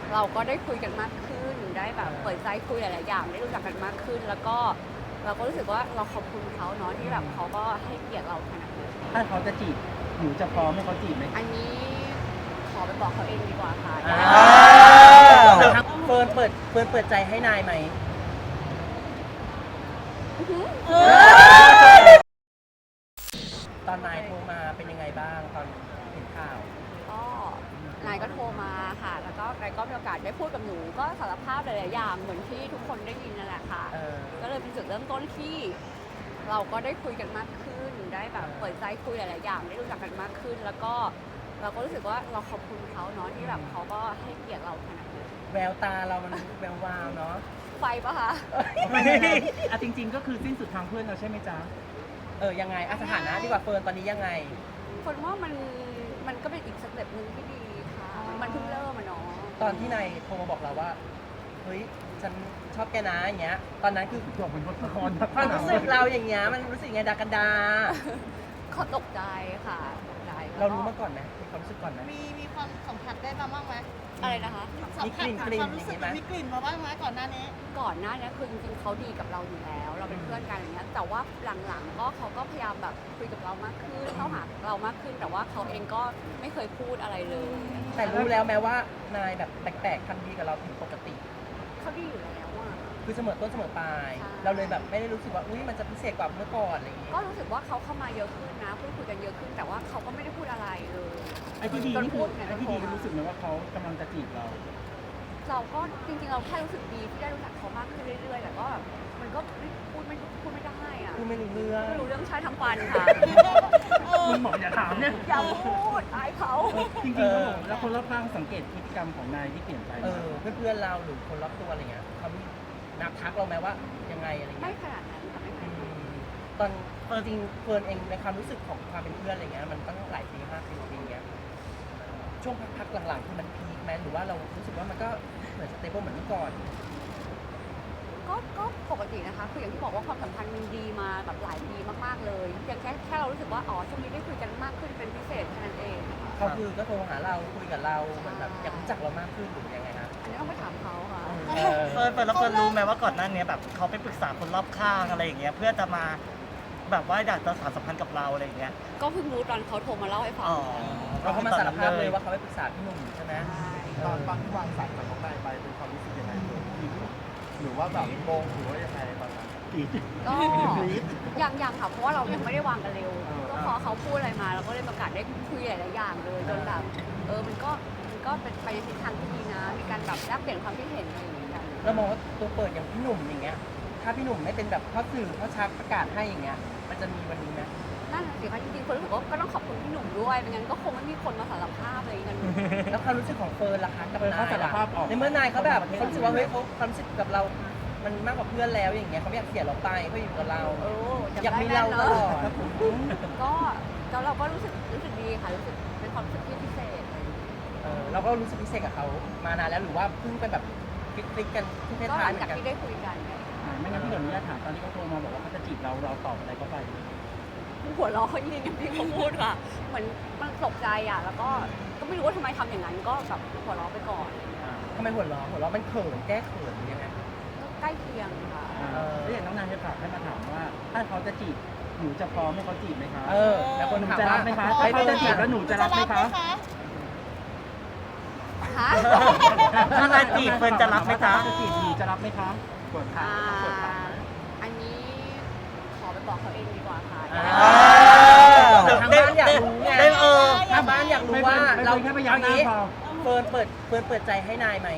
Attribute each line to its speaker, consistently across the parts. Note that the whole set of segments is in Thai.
Speaker 1: เราก็ได้คุยกันมากขึ้นได้แบบเปิดใจคุยหลายๆอย่างได้รู้จักกันมากขึ้น แล้วก็เราก็รู้สึกว่าเราขอบคุณเขาเนาะที่แบบเขาก็ให้เกียรติเราขนาดนี้
Speaker 2: ถ้าเขาจะจีบหนูจะพร้อมให้เขาจีบไหม
Speaker 1: อันนี้ขอไปบอกเขาเองดีกว่าค่ะ
Speaker 3: เฟิร์นเปิดใจให้นายไหมตอนนายโทรมาเป็นยังไงบ้างตอนเห็นข่าว
Speaker 1: ก็นายก็โทรมาค่ะ แล้วก็นายก็มีโอกาสได้พูดกับหนูก็สารภาพหลายๆอย่างเหมือนที่ทุกคนได้ยินนั่นแหละค่ะก็เลยเป็นจุดเริ่มต้นที่เราก็ได้คุยกันมากขึ้นได้แบบเปิดใจคุยหลายๆอย่างได้รู้จักกันมากขึ้น แล้วก็เราก็รู้สึกว่าเราขอบคุณเขาเนาะที่แบบเขาก็ให้เกียรติเราขนาดนี้
Speaker 3: แววตาเรามันแวววาวเนาะ
Speaker 1: ไฟปะคะ
Speaker 2: อ่ะจริงๆก็คือสิ้นสุดทางเพื่อนเราใช่ไหมจ๊ะ
Speaker 3: ยังไงสถานะดีกว่าเฟิร์นตอนนี้ยังไง
Speaker 1: คนว่ามันก็เป็นอีกสเต็ปหนึ่งที่ดีค่ะมันเพิ่งเริ่มอะเนาะ
Speaker 3: ตอนที่นายโทรมาบอกเราว่าเฮ้ยฉันชอบแกนะอย่างเงี้ยตอนนั้นคือ
Speaker 2: จบเป็นบทละคร
Speaker 3: ความรู้สึกเราอย่างเงี้ยมันรู้สึกไงดากันดา
Speaker 1: เขาตกใจค่ะตกใจ
Speaker 3: เรารู้มาก่อนไหมมีความรู้สึกก่อนไหม
Speaker 4: มีความสัมผัสได้มาบ้างไหม
Speaker 1: อะไรนะคะ
Speaker 4: สัมผัสความรู้สึกมีกลิ่นมาบ้างไหมก่อนหน้านี้
Speaker 1: คือจริงๆเขาดีกับเราอยู่แล้ว เราเป็นเพื่อนกันอย่างเงี้ยแต่ว่าหลังๆก็เขาก็พยายามแบบคุยกับเรามากขึ้นเข้าหาเรามากขึ้นแต่ว่าเขาเองก็ไม่เคยพูดอะไรเลย
Speaker 3: แต่รู้แล้วแม้ว่านายแบบแปลกๆทำดีกับเราผิดปกติ
Speaker 1: เขาดีอยู่แล้วอะ
Speaker 3: คือเสมอต้นเสมอปลายเราเลยแบบไม่ได้รู้สึกว่าอุ้ยมันจะพิเศษกว่าเมื่อก่อนอะไรอย่างเงี้ย
Speaker 1: ก็รู้สึกว่าเขาเข้ามาเยอะขึ้นนะพูดคุยกันเยอะขึ้นแต่ว่าเขาก็ไม่ได้พูดอะไรเลย
Speaker 2: ไอ้ที่ดีนี่คือไอ้ที่ดีรู้สึกไหมว่าเขากำลังจะจีบ
Speaker 1: เราก็จริงๆเราแค่รู้สึกดีที่ได้รู้จักเขามากขึ้นเรื่อยๆแต่ก็มันก็พูดไม่ได้อะ
Speaker 3: พูดไม่รู้เรื่อง
Speaker 1: ใช้ทั้งวันค่ะ
Speaker 2: คุณบอกอย่าถามเนี่ย
Speaker 1: อย่าพูดอายเขา
Speaker 2: จริงๆแล้วคนรอบข้างสังเกตพฤติกรรมของนายที่เปลี่ยนไป
Speaker 3: เพื่อนเราหรือคนรอบตัวอะไรเงี้ยเขามีนับทักเราไหมว่ายังไงอะไรเงี้ย
Speaker 1: ไม่ขนาดนั้นค่ะไม่ขนาดนั้น
Speaker 3: ตอนจริงเฟิร์นเองในความรู้สึกของความเป็นเพื่อนอะไรเงี้ยมันตั้งหลายปี5 ปีเงี้ยช่วงพักหลังๆคือมันพีคไหมหรือว่าเรารู้สึกว่ามันก็เหมือนสเตเบิลเหมือนเมื่อก่อน
Speaker 1: ก็ปกตินะคะคืออย่างที่บอกว่าความสัมพันธ์มันดีมาแบบหลายปีมากๆเลยเพียงแค่เรารู้สึกว่าอ๋อช่วงนี้ได้คุยกันมากขึ้นเป็นพิเศษแค่นั้นเอง
Speaker 3: เขาคือก็โทรหาเราคุยกับเราเหมือนแบบอยากรู้จักเรามากขึ้นหรือยังไงคะ
Speaker 1: อันนี้ต้องไปถามเขาค่ะ
Speaker 5: เฟิร์นแล้วเฟิร์นรู้ไหมว่าก่อนหน้านี้แบบเขาไปปรึกษาคนรอบข้างอะไรอย่างเงี้ยเพื่อจะมาแบบว่าอยากจะสานสัมพันธ์กับเราอะไรอย่างเงี้ย
Speaker 1: ก็เพิ่งรู้ตอนเขาโทรมาเล่าให้ฟัง
Speaker 3: เขามาสารภาพเลยว่าเขาไปปรึกษาพี่หนุ่มใช่ไหม
Speaker 6: ตอนที่วางสายจากน้องนายไปเป็นความรู้สึกยังไงหรือว่าแบบโกงหรือว่ายังไงตอนนั้น
Speaker 1: ก็ยังค่ะเพราะว่าเรายังไม่ได้วางกันเร็วก็พอเขาพูดอะไรมาเราก็เลยประกาศได้คุยหลายๆอย่างเลยจนแบบมันก็เป็นไปในทิศทางที่ดีนะมีการแบบแลกเปลี่ยนความคิดเห็นอะไรอย่างเงี้ยกัน
Speaker 3: เรามองว่าตัวเปิดอย่างพี่หนุ่มอย่างเงี้ยถ้าพี่หนุ่มไม่เป็นแบบพ่อสื่อพ่อชักประกาศให้อย่างเงี้ยมันจะมีวันนี้ไหม
Speaker 1: นั่นสิคะจริงๆคนรู้สึกว่าก็ต้องขอบคุณพี่หนุ่มด้วยไม่งั้นก็คงไม่มีคนมาสารภาพอะไรกัน
Speaker 3: แล้วความรู้สึกของเฟิร์นล่ะคะกับนายในเมื่อนายเขาแบบเขารู้สึกว่าเฮ้ยเขาความรู้สึกกับเรามันมากกว่าเพื่อนแล้วอย่างเงี้ยเขาไม่อยากเสียเราไปเขาอยู่กับเราอยากมีเราตลอด
Speaker 1: ก็เราก็รู้สึกดีค่ะรู้สึกเป็นความรู้สึกที่พิเศษ
Speaker 3: เราก็รู้สึกพิเศษกับเขามานานแล้วหรือว่าเพิ่งเป็นแบบคลิกกันที่เพศท้ายเหมือนกัน
Speaker 1: ก็หลังจากที่ได้คุยกัน
Speaker 2: ไม่งั้นพี่เดี๋ยวนี้ถามตอนที่เขาโทรมาบอกว่าเขาจะจีบเราตอบอะไรเขาไป
Speaker 1: หัวเราะเขายิงอย่างที่เขาพูดค่ะเหมือนมันตกใจอ่ะแล้วก็ไม่รู้ว่าทำไมทำอย่างนั้นก็แบบหัวเราะไปก่อน
Speaker 3: ทำไมหัวเราะมันเขินแก้เขินยังไง
Speaker 1: ใกล้เคียงค่ะ
Speaker 2: แล้วอย่างน้องนายจะฝากให้มาถามว่าถ้าเขาจะจีบหนูจะพร้อมให้เขาจีบไหมคะ
Speaker 3: แล้วคนถาม
Speaker 2: จะรับไหมคะถ้าเขาจะจีบแล้วหนูจะรับไหมคะ
Speaker 5: ถ้านายจีบเฟิร์นจะรับไหมคะ
Speaker 2: จะจีบหนูจะรับไหมคะ
Speaker 1: กดค่ะอันนี้ขอไปบอกเขาเองดีกว่าค่ะ
Speaker 3: ทางบ้านอยากรู้ไงทางบ้านอยากรู้ว่าเรา
Speaker 2: แค่พยายามนี้
Speaker 3: เฟิร์นเปิดใจให้นายไหม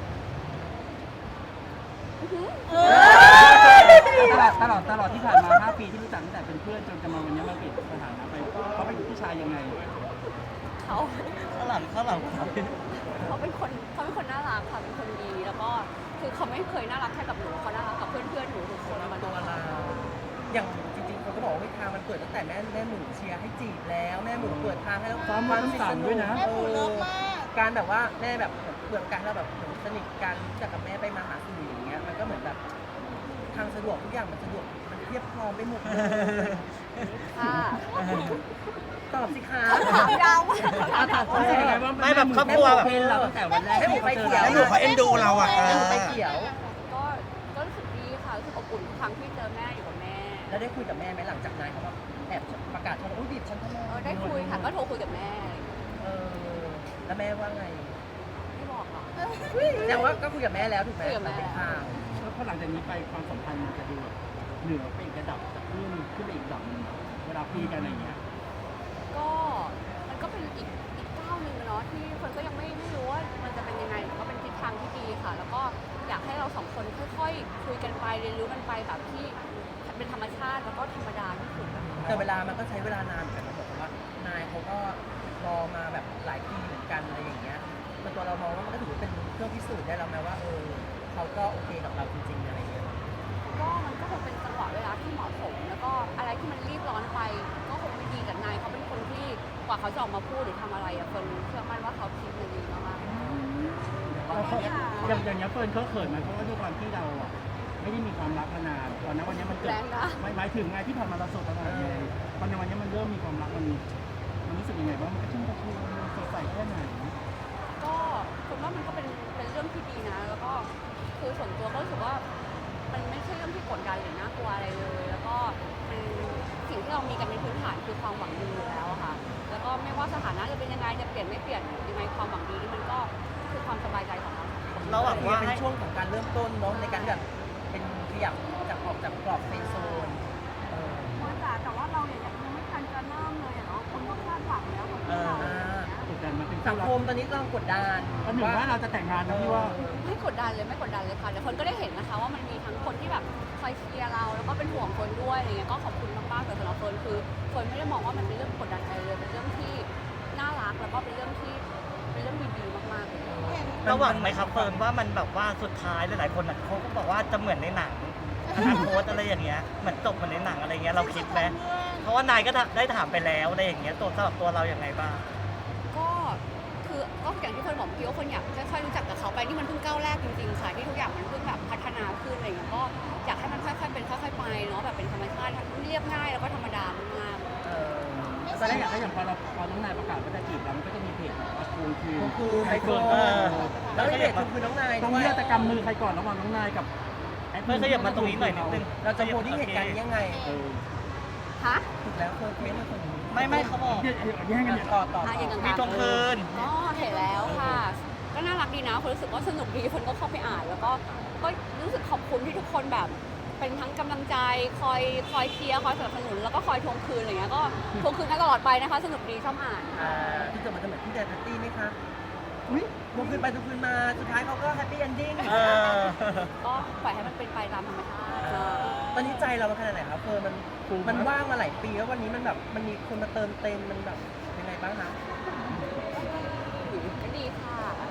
Speaker 2: ตลอดที่ผ่านมา5 ปีที่รู้จักตั้งแต่เป็นเพื่อนจนจะมาวันนี้มาเปลี่ยนสถานะไปเขาเป็นผู้ชายยังไง
Speaker 1: เขา
Speaker 5: ข้างหลัง
Speaker 1: เขาเป็นคนน่ารักค่ะเป็นคนดีแล้วก็คือเขาไม่เคยน่ารักแค่กับหนูเขาน่ารักกับเพื่อนหนูทุกคนมา
Speaker 3: ตัวเราอย่างจริงๆคนก็บอกว่าทางมันเปิดตั้งแต่แม่หมูเชียร์ให้จีบแล้วแม่หมูเปิดทางให้เรา
Speaker 2: ความสนุกด้วยนะ
Speaker 4: แม่หมูเลิฟมาก
Speaker 3: การแบบว่าแม่แบบเปิดการเราแบบสนิทกันจากกับแม่ไปมาหาสู่อย่างเงี้ยมันก็เหมือนแบบทางสะดวกทุกอย่างมันสะดวกมันเรียบพร้อมไปหมดเลย
Speaker 1: ค่ะ
Speaker 3: ตอบสิคะ
Speaker 1: ถามยาวมาก
Speaker 2: รู้สึกยังไงว่า
Speaker 5: ไม่แบบครอบครัวแบบ
Speaker 2: เป็นเราตั้งแต่วันแรก
Speaker 3: ให้หมูไปเขียว
Speaker 6: ให้หมูเขาเอ็นดูเราอ่ะ
Speaker 3: ให้หมูไปเขียว
Speaker 1: ก็รู้สึกดีค่ะรู้สึกอบอุ่นทุกครั้งที่เจอแม่อยู่กับแม่
Speaker 3: แล้วได้คุยกับแม่ไหมหลังจากนายเขาแบบแอบประกาศเขาอุ้ยบีบฉันทำไม
Speaker 1: ได้คุยค่ะก็โทรคุยกับแม่
Speaker 3: เออแล้วแม่ว่าไง
Speaker 1: ไม่บอกหรอก
Speaker 3: แสดงว่าก็คุยกับแม่แล้วถูกไหม
Speaker 1: คุยกับแม่
Speaker 3: เป็นข่าว
Speaker 2: เพราะหลังจากนี้ไปความสัมพันธ์มันจะดูแบบเหนือไปอีกระดับจากขึ้นไปอีกระดับหนึงเวลาคุยกันอะไรอย่างเงี้ย
Speaker 1: ก็มันก็เป็นอีกก้าวหนึ่งอะเนาะที่คนก็ยังไม่รู้ว่ามันจะเป็นยังไงแต่ก็เป็นทิศทางที่ดีค่ะ แล้วก็อยากให้เราสองคนค่อยๆคุยกันไปเรียนรู้กันไปแบบที่เป็นธรรมชาติแล้วก็ธรรมดาที่สุดอะค่ะ
Speaker 3: แต่เวลามันก็ใช้เวลานานเหมือนกันนะบอกว่านายเขาก็รอมาแบบหลายปีเหมือนกันอะไรอย่างเงี้ยแต่ตัวเรามองว่ามันก็ถือว่าเป็นเครื่องพิสูจน์ได้แล้วไหมว่าเขาก็โอเคกับเราจริงๆอะไรอย่างเงี้ย
Speaker 1: ก็มันก็คงเป็นจังหวะเวลาที่เหมาะสม แล้วก็อะไรที่มันรีบร้อนไป ก็คงไม่ดีกับนายเขาเป็นคนที่กว่าเขาจะออกมาพูดหรือทำอะไรอะคนเชื่อมั่นว่าเขาคิดมันดีมากๆ
Speaker 2: อย่างเงี้ยเฟิร์นเขาเขินไหมเพราะว่าด้วยความที่เราอ่ะไม่ได้มีความรักมานานตอนนั้นวันนี้มันเกิด
Speaker 1: แรงนะ
Speaker 2: หมายถึงไงที่ผ่านมาเราโสดตลอดเลยตอนในวันนี้มันเริ่มมีความรักมันรู้สึกยังไงบ้างมันกระชุ่มกระชวยมันสดใสแค่ไหน
Speaker 1: ก็ผมว่ามันก็เป็นเรื่องที่ดีนะ แล้วก็คือส่วนตัวก็รู้สึกว่ามันไม่ใช่เรื่องที่กดดันหรือน่ากลัวอะไรเลย แล้วก็มันสิ่งที่เรามีกันเป็นพื้นฐานคือความหวังดีอยู่แล้วอะค่ะ แล้วก็ไม่ว่าสถานะจะเป็นยังไงจะเปลี่ยนไม่เปลี่ยนยังไงความหวังดีนี่มันก็คือความสบายใจของเรา
Speaker 5: เราหวังว่า
Speaker 3: เป็น
Speaker 5: ให้
Speaker 3: ช่วงของการเริ่มต้นเนาะในการแบบเป็นขยับจากออกจากกรอบเฟรนด์โซน
Speaker 1: แต่ว่าเราเนี่ยยังไม่ทันจะเริ่มเลยอะเนาะคนก็คาดหวังแล้วคน
Speaker 5: เอ
Speaker 1: ที่
Speaker 5: อ
Speaker 1: เรา
Speaker 2: กดดันมันเป็น
Speaker 3: สังคมตอนนี้กำลังกดดัน
Speaker 2: อันหนึ่งว่าเราจะแต่งงานนะพี่ว่า
Speaker 1: ไม่กดดันเลยไม่กดดันเลยค่ะแต่คนก็ได้เห็นนะคะว่ามันมีทั้งคนที่แบบคอยเชียร์เราแล้วก็เป็นห่วงคนด้วยอะไรเงี้ยก็ขอบคุณมากๆแต่สำหรับคนคือคนไม่ได้มองว่ามันเป็นเรื่องกดดันอะไรเลยเป็นเรื่องที่น่ารักแล้วก็เป็นเรื่องดีๆมากๆเลย
Speaker 5: ระหวังไหมครับเฟิร์นว่ามันแบบว่าสุดท้ายหลายๆคนน่ะเขาก็บอกว่าจะเหมือนในหนังอนาคตอะไรอย่างเงี้ยเหมือนจบเหมือนในหนังอะไรเงี้ยเราคิดไหมเพราะว่านายก็ได้ถามไปแล้วอะไรอย่างเงี้ยตัวสำหรับตัวเราอย่างไรบ้าง
Speaker 1: ก็คือก็อย่างที่คนบอกเมื่อกี้ว่าคนอยากค่อยๆรู้จักกับเขาไปนี่มันเพิ่งก้าวแรกจริงๆค่ะที่ทุกอย่างมันเพิ่งแบบพัฒนาขึ้นอะไรอย่างเงี้ยก็อยากให้มันค่อยๆเป็นค่อยๆไปเนาะแบบเป็นธรรมชาติเรียบง่ายแล้วก็ธรรมดามากๆ
Speaker 2: ตอนแรกอยากให้อย่างพอน้องนายประกาศว่าจะจีบเรามันก็จะมีเพจแบบว่าทวงคืน
Speaker 3: คือ
Speaker 2: ใคร
Speaker 3: ไฮโฟ
Speaker 2: เฟิร์น
Speaker 3: แล้วที่เด็ดคือน้องนาย
Speaker 2: ตรง
Speaker 3: ด้วย
Speaker 2: นี้จะกำมือใครก่อนระหว่างน้องนายกับ
Speaker 5: เฟิร์นขยับมาตรงนี้หน่อยนิดนึง
Speaker 3: เราจะโพสที่เหตุการณ์นี้ยังไง
Speaker 1: ฮะ
Speaker 3: ถูกแล้วเฟิร์นเฟ้นเป็นคน
Speaker 5: ไม่เขาบอก
Speaker 2: แย่งกันเนี่ย
Speaker 3: ต่อ
Speaker 1: อ่ะอย่าง
Speaker 5: มี
Speaker 1: ต่าง
Speaker 5: ทวงคืน
Speaker 1: ก็เห็นแล้วค่ะ ก็น่ารักดีนะคนรู้สึกว่าสนุกดีคนก็เข้าไปอ่าน แล้วก็รู้สึกขอบคุณที่ทุกคนแบบ เป็นทั้งกำลังใจคอยเชียร์คอยสนับสนุนแล้วก็คอยทวงคืนอะไรเงี้ยก็ทวงคืนกันตลอดไปนะคะสนุกดีชอบอ่าน
Speaker 3: ที่จะมันจะเหมือนที่แดนแพตตี้ไหมคะอุ้ยทวงคืนไปทวงคืนมาสุดท้ายเขาก็แฮปปี้เอนดิ้ง
Speaker 5: เออ
Speaker 1: ก็ปล่อยให้มันเป็นไปตามธรรมชาติเนอะ
Speaker 3: ตอนนี้ใจเรามันขนาดไหนครับเฟิร์นมันว่างมาหลายปีแล้ววันนี้มันแบบมันมีคนมาเติมเต็มมันแบบยังไงบ้างคะ
Speaker 1: ก็ดีค่ะ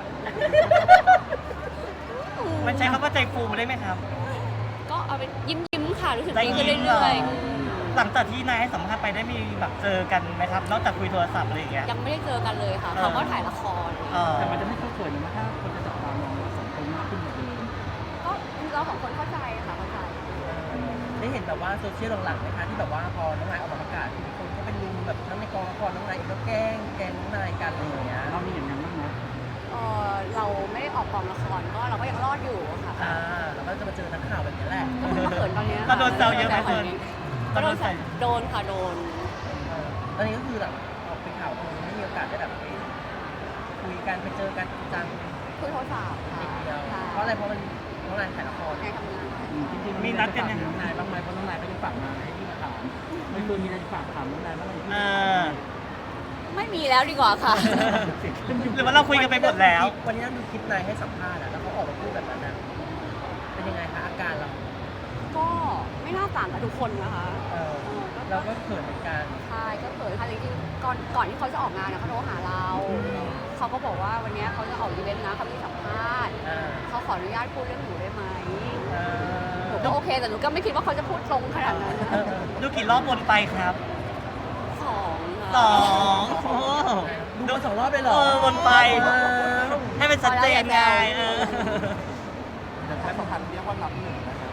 Speaker 5: มันใช้คำว่าใจฟูได้ไหมครับ
Speaker 1: ก็เอาไปยิ้มค่ะรู้สึก
Speaker 5: ใจ
Speaker 1: ดี
Speaker 5: ยิ้
Speaker 1: ขึ้น
Speaker 5: มเหรอ
Speaker 1: เรื่อย
Speaker 5: หลังจากที่นายให้สัมภาษณ์ไปได้มีแบบเจอกันไหมครับ นอกจากคุยโทรศัพท์อะไรอย่างเงี้ย
Speaker 1: ๆยังไม่ได้เจอกันเลยค่ะเขาก็ถ่ายละคร
Speaker 2: แต่มันจะไม่เข้าเขินนะถ้าคนจะจับตามองเราสองคนมากขึ้นกว่าเดิม
Speaker 1: ก็เราสองคนเข้าใจค่ะเข้าใจ
Speaker 3: ได้เห็นแบบว่าโซเชียลหลังๆไหมคะที่แบบว่าพอน้องนายออกมาประกาศคนก็เป็นลุมแบบทั้งในกองละครน้องนายเองก็แกล้งน้องนายกันอะไรอย่างเงี้ย
Speaker 2: เรามีอย่างนั้นบ้างไหม
Speaker 1: เราไม่ได้ออกกองละครก็เราก็ยังรอดอยู่ค่ะ
Speaker 3: แล้วก็จะมาเจอนักข่าวแบบนี้แหละ
Speaker 1: ก็เพิ่งมาเขินตอนนี้
Speaker 5: ก็โดนแซวเยอะไหมเฟิร์น
Speaker 1: ก็โดนแซวโดนค่ะโดน
Speaker 3: ตอนนี้ก็คือแบบออกไปข่าวคือไม่มีโอกาสได้แบบไปคุยกันไปเจอกันจริงจัง
Speaker 1: คุยโทรศัพท์ค่ะ
Speaker 3: นิดเดียว
Speaker 1: ค่ะ
Speaker 3: เพราะอะไรเพราะมันน้องนายถ่ายละคร
Speaker 1: ในทำงาน
Speaker 2: จริงๆ
Speaker 5: มีนัดกันยัง
Speaker 2: น้องนายบ้างไหมเพราะน้องนายก็ยังฝากมาให้พี่มาถามไม่เคยมีอะไรฝากถามน้องนายบ้างไหม
Speaker 5: เออ
Speaker 1: ไม่มีแล้วดีกว่าค่ะ
Speaker 5: หรือว่าเราคุยกันไปหมดแล้ว
Speaker 3: วันนี้เราดูคลิปนายให้สัมภาษณ์แล้วเขาออกมาพูดแบบนั้นนะเป็นยังไงคะอาการเรา
Speaker 1: ก็ไม่น่าต่างกับทุกคนนะคะ
Speaker 3: เราก็เขินเหมือนกัน
Speaker 1: ใช่ก็เขินค่ะจริงๆก่อนที่เขาจะออกงานเขาโทรหาเราเขาก็บอกว่าวันนี้เขาจะออกอีเวนต์นะเขามีสัมภาษณ์เขาขออนุญาตพูดเรื่องหนูได้ไหมหนูก็โอเคแต่หนูก็ไม่คิดว่าเขาจะพูดตรงขนาดนั้น
Speaker 5: ดูกี่รอบวนไปครับ
Speaker 1: สอง
Speaker 5: สองโอ้
Speaker 3: ดูมา2 รอบเลยเหรอ
Speaker 5: วนไป ให้เป็นชัดเจนไงเออ
Speaker 6: แต่ใช้สัมพันธ์เรียกว่านับหนึ่งนะครับ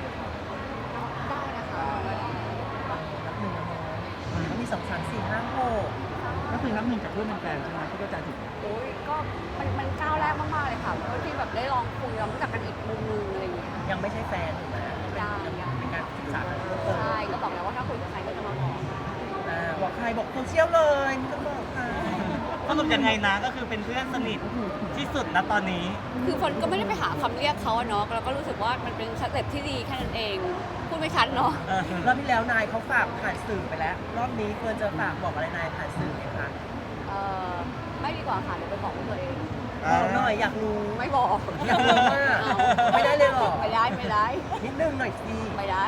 Speaker 1: ได้นะคะ
Speaker 3: นับหนึ่งนะมันมี2 3 4 5 6
Speaker 2: ก็คือน้ำหนึ่งจากเพื่อนเป็นแฟนใช่ไหมที่เข้าใจถูก
Speaker 1: โอ้ยก็มันก้าวแรกมากๆเลยค่ะเพราะที่แบบได้ลองคุยลองรู้จักกันอีกมุมนึงอะไรอย่างเงี้ย
Speaker 3: ยังไม่ใช่แฟนถูกไหม
Speaker 1: ยัง
Speaker 3: เป็นการศึกษากันเพิ่มเติม
Speaker 1: ใช่ก็บอกแล้วว่าถ้าคุยกับใครก็จะมาบอก
Speaker 3: บอกใครบอกโซเชียลเลยไม่ต้องบอกใคร
Speaker 5: สรุปยังไงนะก็คือเป็นเพื่อนสนิทที่สุดนะตอนนี้
Speaker 1: คือฝนก็ไม่ได้ไปหาคำเรียกเขาอะเนาะแล้วก็รู้สึกว่ามันเป็นสเต็ปที่ดีแค่นั้นเองพูดไม่ชัดเนาะ
Speaker 3: รอบที่แล้วนายเขาฝากผ่านสื่อไปแล้ว รอบนี้เฟิร์นจะฝากบอกอะไรนายผ่านสื่อไหมคะ
Speaker 1: ไม่ดีกว่าค่ะเดี๋ยวไปบอกตัวเอง
Speaker 3: บอกหน่อยอยากรู้
Speaker 1: ไม่บอก
Speaker 3: อยากรู้ว่าไม่ได้เลยเหรอ
Speaker 1: ไม่ได้ไม่ได้
Speaker 3: นิดนึงหน่อยสิ
Speaker 1: ไม่ได้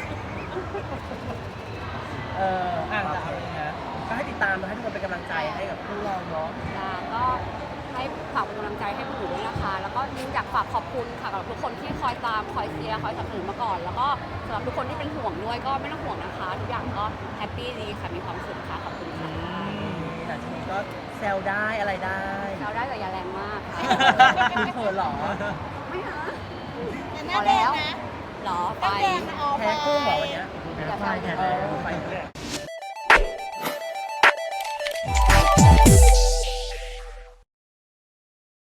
Speaker 3: อ่างจากอะไรนะก็ให้ติดตามนะให้ทุกคนเป็นกำลังใจให้กับคู่เราเนาะ
Speaker 1: ก็ให้ฝากเป็นกำลังใจให้พวกหนูด้วยนะคะ แล้วก็อยากฝากขอบคุณค่ะกับทุกคนที่คอยตามคอยเชียร์คอยสนับสนุนมาก่อน แล้วก็สำหรับทุกคนที่เป็นห่วงด้วยก็ไม่ต้องห่วงนะคะ ทุกอย่างก็แฮปปี้ดีค่ะมีความสุขค่ะขอบคุณค่ะ
Speaker 3: หลังจากนี้ก็แซวได้อะไรได้
Speaker 1: เราได้แต่อย่าแรงมากค่ะ
Speaker 3: คุณเขินเหรอ
Speaker 1: ไม่หา
Speaker 4: แต่ห
Speaker 1: พ
Speaker 4: น้า
Speaker 1: อ
Speaker 4: แด
Speaker 1: แล้
Speaker 4: ง
Speaker 1: ว
Speaker 4: นะ
Speaker 1: เหรอ
Speaker 4: ห
Speaker 1: ไป
Speaker 4: น้าแดงนะออก
Speaker 3: แพ้กุ้งเหรอวันเนี้ย
Speaker 1: อย่าแซว
Speaker 3: ไป